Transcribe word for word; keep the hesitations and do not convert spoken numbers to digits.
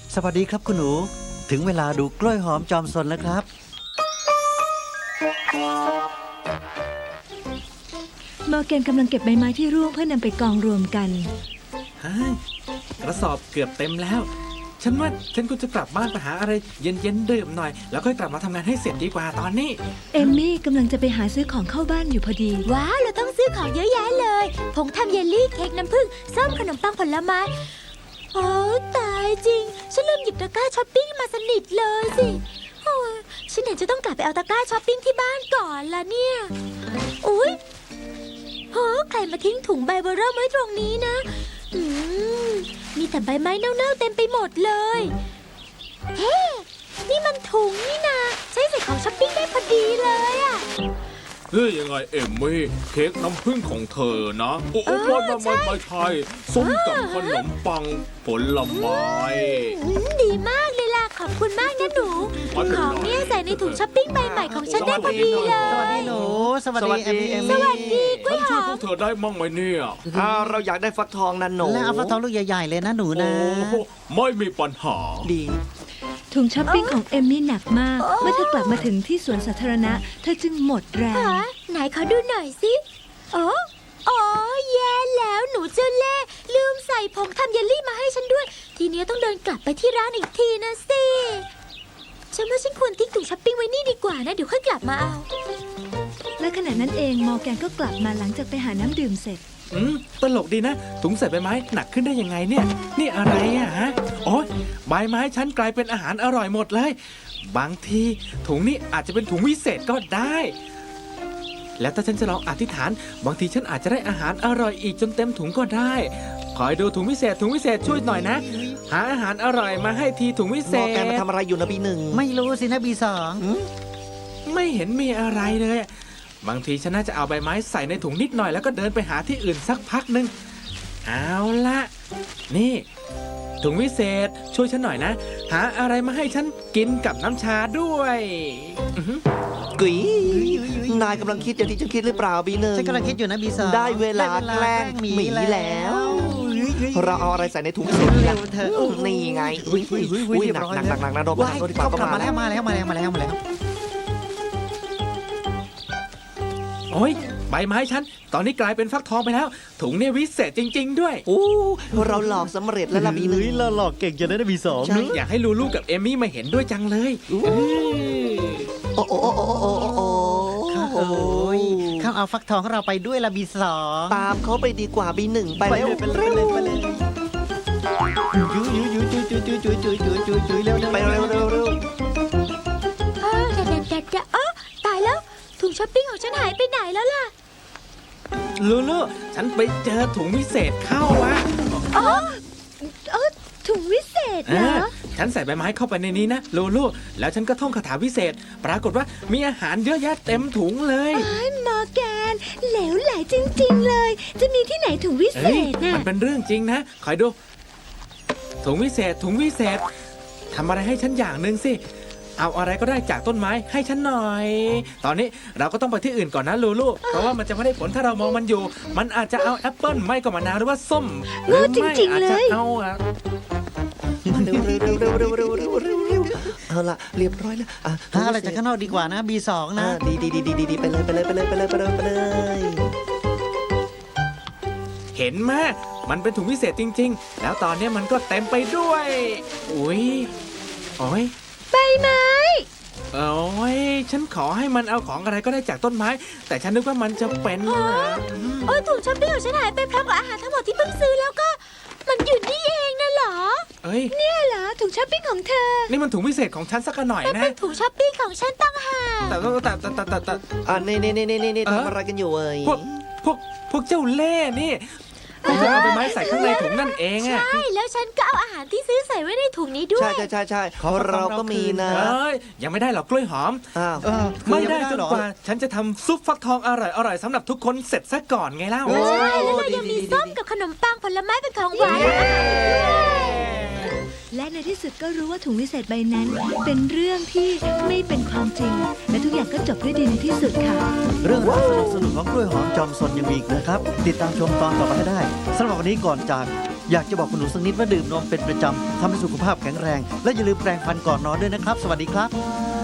สวัสดีครับคุณหนูถึงเวลาดูกล้วยหอมจอมซนแล้วครับมอร์แกนกำลังเก็บใบไม้ที่ร่วงเพื่อนำไปกองรวมกันเฮ้ยกระสอบเกือบเต็มแล้วฉันว่าฉันควรจะกลับบ้านไปหาอะไรเย็นๆดื่มหน่อยแล้วค่อยกลับมาทำงานให้เสร็จดีกว่าตอนนี้เอมมี่กำลังจะไปหาซื้อของเข้าบ้านอยู่พอดีว้าวเราต้องซื้อของเยอะแยะเลยผงทำเยลลี่เค้กน้ำผึ้งส้มขนมปังผลไม้โอ้ตายจริงฉันลืมหยิบตะกร้าช้อปปิ้งมาสนิทเลยสิโอ้ยฉันเห็นจะต้องกลับไปเอาตะกร้าช้อปปิ้งที่บ้านก่อนละเนี่ยอุ้ยโหใครมาทิ้งถุงใบเบอร์เริ่มไว้ตรงนี้นะอืมมีแต่ใบไม้เน่าๆเต็มไปหมดเลยเฮ้นี่มันถุงนี่นาใช้ใส่ของช้อปปิ้งได้พอดีเลยอะเฮ้ยยังไงเอมมี่เค้กน้ำผึ้งของเธอนะโอ้โอ้ไม่ไม่ไม่ไม่ใช่ส้มกับขนมปังผลไม้ดีมากเลยล่ะขอบคุณมากนะหนูของเนี่ยใส่ในถุงช้อปปิ้งใบใหม่ของฉันได้พอดีเลยสวัสดีหนูสวัสดีเอมมี่สวัสดีกล้วยหอมพวกเธอได้มั่งไหมเนี่ยอ่าเราอยากได้ฟักทองนั่นหนูแล้วเอาฟักทองลูกใหญ่ๆเลยนะหนูนะไม่มีปัญหาดีถุงช้อปปิ้งของเอมมี่หนักมากเมื่อเธอกลับมาถึงที่สวนสาธารณะเธอจึงหมดแรงไหนขอดูหน่อยสิโอ้โอ้แย่แล้วหนูเจ้าเล่ห์ลืมใส่ผงทำเยลลี่มาให้ฉันด้วยทีนี้ต้องเดินกลับไปที่ร้านอีกทีนะสิฉันว่าฉันควรทิ้งถุงช้อปปิ้งไว้นี่ดีกว่านะเดี๋ยวค่อยกลับมาเอาและขณะนั้นเองมอร์แกนก็กลับมาหลังจากไปหาน้ำดื่มเสร็จอืมตลกดีนะถุงใส่ใบไม้หนักขึ้นได้ยังไงเนี่ยนี่อะไรอะฮะโอ๊ยใบไม้ฉันกลายเป็นอาหารอร่อยหมดเลยบางทีถุงนี้อาจจะเป็นถุงวิเศษก็ได้แล้วถ้าฉันจะลองอธิษฐานบางทีฉันอาจจะได้อาหารอร่อยอีกจนเต็มถุงก็ได้คอยดูถุงวิเศษถุงวิเศษช่วยหน่อยนะหาอาหารอร่อยมาให้ทีถุงวิเศษมอร์แกนมาทำอะไรอยู่นะบีหนึ่งไม่รู้สินะบีสองไม่เห็นมีอะไรเลยบางทีฉันน่าจะเอาใบไม้ใส่ในถุงนิดหน่อยแล้วก็เดินไปหาที่อื่นสักพักหนึ่งเอาละนี่ถุงวิเศษช่วยฉันหน่อยนะหาอะไรมาให้ฉันกินกับน้ำชาด้วยกุ๋ยนายกำลังคิดอย่างที่ฉันคิดหรือเปล่าบีหนึ่งฉันกำลังคิดอยู่นะบีสองได้เวลาแกล้งหมีแล้วเราเอาอะไรใส่ในถุงเสร็จแล้วเธอนี่ไงอุ้ยหนักหนักหนักหนักนะโดนโดนดีกว่าก็มาแล้วมาแล้วมาแล้วมาแล้วมาแล้วโอ้ยใบไม้ฉันตอนนี้กลายเป็นฟักทองไปแล้วถุงเนี่ยวิเศษจริงๆด้วยโอ้เราหลอกสำเร็จแล้วล่ะบีหนึ่งเราหลอกเก่งจังเลยนะบีสองอยากให้ลูลูกับเอมี่มาเห็นด้วยจังเลยโอ้โอ้โอ้โอ้โอ้โอ้โอ้ยข้าเอาฟักทองของเราไปด้วยละบีสองตามเขาไปดีกว่าบีหนึ่งไปเร็วไปเลยไปเลยยุยยุยยุยยุยยุยยุยยุยยุยยุยยุยยุยเร็วไปเร็วเร็วเร็วเออเด็ดเด็ดเด็ดอ๋อตายแล้วถุงช้อปปิ้งของฉันหายไปไหนแล้วล่ะลูลูฉันไปเจอถุงวิเศษเข้าอะอ๋อเออถุงวิเศษเหรอฉันใส่ใบไม้เข้าไปในนี้นะลูลูแล้วฉันก็ท่องคาถาวิเศษปรากฏว่ามีอาหารเยอะแยะเต็มถุงเลยอ๋อมอร์แกนเหลวไหลจริงๆเลยจะมีที่ไหนถุงวิเศษน่ะมันเป็นเรื่องจริงนะคอยดูถุงวิเศษถุงวิเศษทำอะไรให้ฉันอย่างหนึ่งสิเอาอะไรก็ได้จากต้นไม้ให้ฉันหน่อยตอนนี้เราก็ต้องไปที่อื่นก่อนนะลูลูเพราะว่ามันจะไม่ได้ผลถ้าเรามองมันอยู่มันอาจจะเอาแอปเปิ้ลไม่ก็มะนาวหรือว่าส้มหรือไม่อาจจะเอาอะเร็วเร็วเร็วเร็วเร็วเร็วเร็วเร็วเร็วเอาละเรียบร้อยแล้วอ่ะหาอะไรจากข้างนอกดีกว่านะบีสองนะดีดีดีดีดีไปเลยไปเลยไปเลยไปเลยไปเลยไปเลยเห็นไหมมันเป็นถุงพิเศษจริงๆแล้วตอนนี้มันก็เต็มไปด้วยอุ้ยโอ้ยใบไม้โอ้ยฉันขอให้มันเอาของอะไรก็ได้จากต้นไม้แต่ฉันนึกว่ามันจะเป็นโอ้ยถุงช้อปปิ้งของฉันหายไปพร้อมกับอาหารทั้งหมดที่เพิ่งซื้อแล้วก็มันอยู่นี่เองนะเหรอเอ้ยเนี่ยเหรอถุงช้อปปิ้งของเธอนี่มันถุงพิเศษของฉันสักหน่อยนะเป็นถุงช้อปปิ้งของฉันตั้งหากแต่แต่แต่แต่แต่อ่าเน่เน่เน่เน่เน่ทำอะไรกันอยู่เอ้ยพวกพวกพวกเจ้าเล่ห์นี่คุณจะเอาไปไม้ใส่ข้างในถุงนั่นเองอะใช่แล้วฉันก็เอาอาหารที่ซื้อใส่ไว้ในถุงนี้ด้วยใช่ใช่ใช่ใช่เราก็มีนะเอ้ยยังไม่ได้หรอกกล้วยหอมอ้าวไม่ได้จนกว่าฉันจะทำซุปฟักทองอร่อยอร่อยสำหรับทุกคนเสร็จซะก่อนไงเล่าใช่แล้วเรายังมีส้มกับขนมปังผลไม้เป็นของหวานและในที่สุดก็รู้ว่าถุงวิเศษใบนั้นเป็นเรื่องที่ไม่เป็นความจริงและทุกอย่างก็จบด้วยดีในที่สุดค่ะเรื่องราวสนุกสนุกของกล้วยหอมจอมซนยังมีอีกนะครับติดตามชมตอนต่อไปให้ได้สำหรับวันนี้ก่อนจากอยากจะบอกคุณหนูสักนิดว่าดื่มนมเป็นประจำทำให้สุขภาพแข็งแรง และอย่าลืมแปรงฟันก่อนนอนด้วยนะครับ สวัสดีครับ